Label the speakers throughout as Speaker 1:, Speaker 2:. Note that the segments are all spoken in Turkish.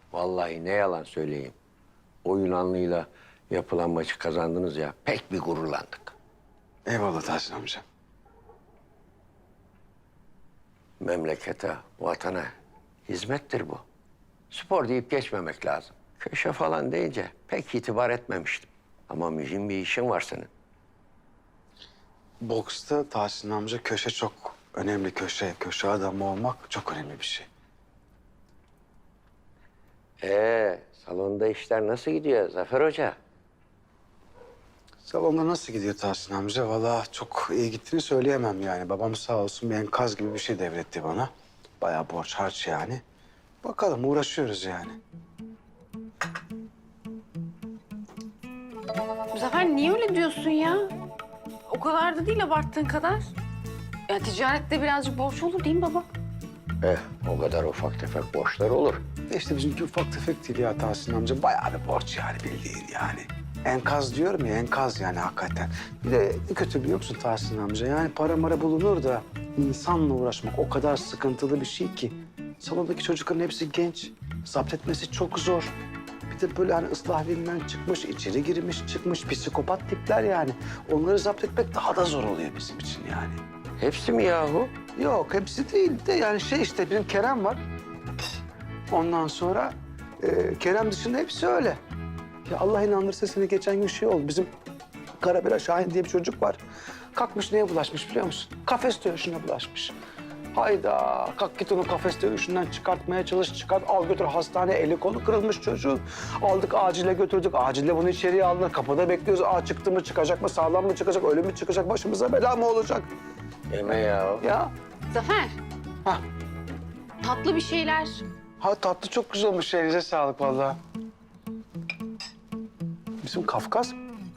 Speaker 1: Vallahi ne yalan söyleyeyim. O Yunanlıyla yapılan maçı kazandınız ya, pek bir gururlandık.
Speaker 2: Eyvallah Tahsin amca.
Speaker 1: Memlekete, vatana hizmettir bu. Spor deyip geçmemek lazım. Köşe falan deyince pek itibar etmemiştim. Ama mühim bir işin var senin.
Speaker 2: Boksta Tahsin amca köşe çok önemli köşe. Köşe adamı olmak çok önemli bir şey.
Speaker 1: Salonda işler nasıl gidiyor Zafer Hoca?
Speaker 2: Salonda nasıl gidiyor Tahsin amca? Vallahi çok iyi gittiğini söyleyemem yani. Babam sağ olsun bir enkaz gibi bir şey devretti bana. Bayağı borç harç yani. Bakalım uğraşıyoruz yani.
Speaker 3: Zafer niye öyle diyorsun ya? O kadar da değil abarttığın kadar. Ya ticarette birazcık borç olur değil mi baba?
Speaker 1: O kadar ufak tefek borçlar olur.
Speaker 2: İşte bizimki ufak tefek değil ya Tahsin amca. Bayağı bir borç yani bildiğin yani. Enkaz diyorum ya enkaz yani hakikaten. Bir de ne kötü biliyor musun Tahsin amca? Yani para mara bulunur da insanla uğraşmak o kadar sıkıntılı bir şey ki. Salondaki çocukların hepsi genç. Zapt etmesi çok zor. Bir de böyle hani ıslah evinden çıkmış, içeri girmiş, çıkmış psikopat tipler yani. Onları zapt etmek daha da zor oluyor bizim için yani.
Speaker 1: Hepsi mi yahu?
Speaker 2: Yok hepsi değil de yani şey işte bizim Kerem var. Ondan sonra Kerem dışında hepsi öyle. Ya Allah inandırsa seni geçen gün şey oldu. Bizim Karabela Şahin diye bir çocuk var. Kalkmış neye bulaşmış biliyor musun? Kafes dövüşüne bulaşmış. Hayda kalk git onu kafes dövüşünden çıkartmaya çalış. Çıkart al götür hastane eli kolu kırılmış çocuğun. Aldık acile götürdük. Acile bunu içeriye aldılar. Kapıda bekliyoruz. Çıktı mı çıkacak mı sağlam mı çıkacak ölüm mü çıkacak başımıza bela mı olacak?
Speaker 1: Deme ya.
Speaker 2: Ya
Speaker 3: Zafer.
Speaker 2: Hah.
Speaker 3: Tatlı bir şeyler.
Speaker 2: Ha tatlı çok güzel olmuş. Elinize sağlık vallahi. Bizim Kafkas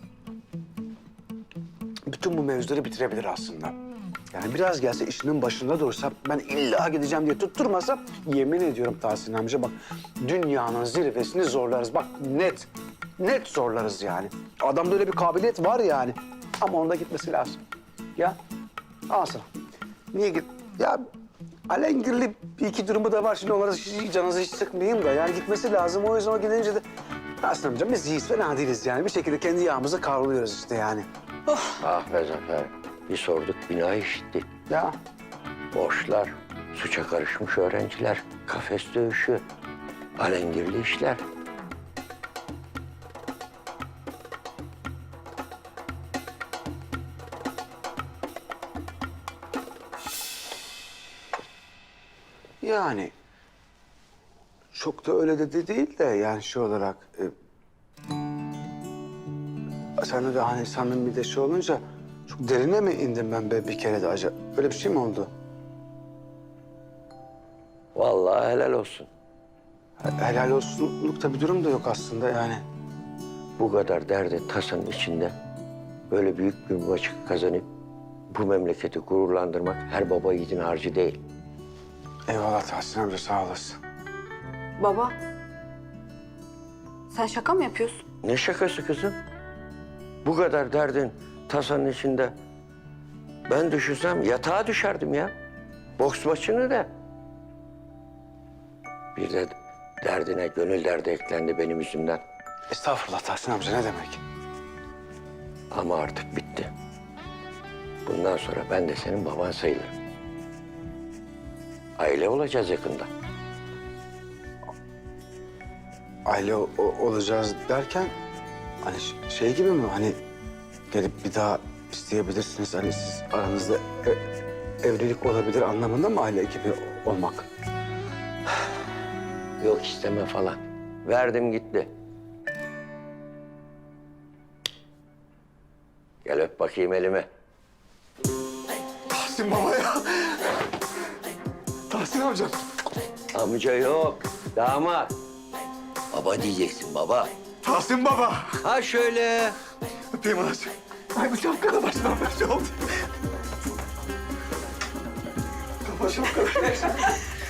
Speaker 2: bütün bu mevzuları bitirebilir aslında. Yani biraz gelse işinin başında dursa ben illa gideceğim diye tutturmasa yemin ediyorum Tahsin amca bak dünyanın zirvesini zorlarız. Bak net zorlarız yani. Adamda öyle bir kabiliyet var yani. Ama onda gitmesi lazım. Ya al sana. Niye git? Ya alengirli bir iki durumu da var. Şimdi onlara canınızı hiç sıkmayayım da. Yani gitmesi lazım. O yüzden o gidince de... Tahsin amca biz iyiyiz, fena değiliz yani. Bir şekilde kendi yağımızı kavruluyoruz işte yani.
Speaker 1: Ah be Zafer. Bir sorduk bina işitti.
Speaker 2: Ya
Speaker 1: Borçlar, suça karışmış öğrenciler, kafes dövüşü, alengirli işler.
Speaker 2: yani... Çok da öyle de değil de yani şey olarak... sen de hani samimi de şey olunca... Çok derine mi indim ben be bir kere de acaba? Öyle bir şey mi oldu?
Speaker 1: Vallahi helal olsun.
Speaker 2: Helal olsunluk da bir durum da yok aslında yani.
Speaker 1: Bu kadar derde tasanın içinde böyle büyük bir maçı kazanıp bu memleketi gururlandırmak her baba yiğidin harcı değil.
Speaker 2: Eyvallah Tahsin amca sağ olasın.
Speaker 3: Baba. Sen şaka mı yapıyorsun?
Speaker 1: Ne şakası kızım? Bu kadar derdin tasanın içinde ben düşünsem yatağa düşerdim ya. Boks maçını da. Bir de derdine gönül derdi eklendi benim yüzümden.
Speaker 2: Estağfurullah Tahsin amca ne demek?
Speaker 1: Ama artık bitti. Bundan sonra ben de senin baban sayılırım. Aile olacağız yakında.
Speaker 2: Aile olacağız derken hani şey gibi mi hani gelip bir daha isteyebilirsiniz hani siz aranızda evlilik olabilir anlamında mı aile gibi olmak?
Speaker 1: Yok isteme falan. Verdim gitti. Gel öp bakayım elimi.
Speaker 2: Tahsin baba ya. Tahsin amcam.
Speaker 1: Amca yok, damat. Baba diyeceksin baba.
Speaker 2: Tahsin baba.
Speaker 1: Ha şöyle.
Speaker 2: Öpeyim anacığım. Ay bu şapkada başıma bir şey oldu. Başım kadar.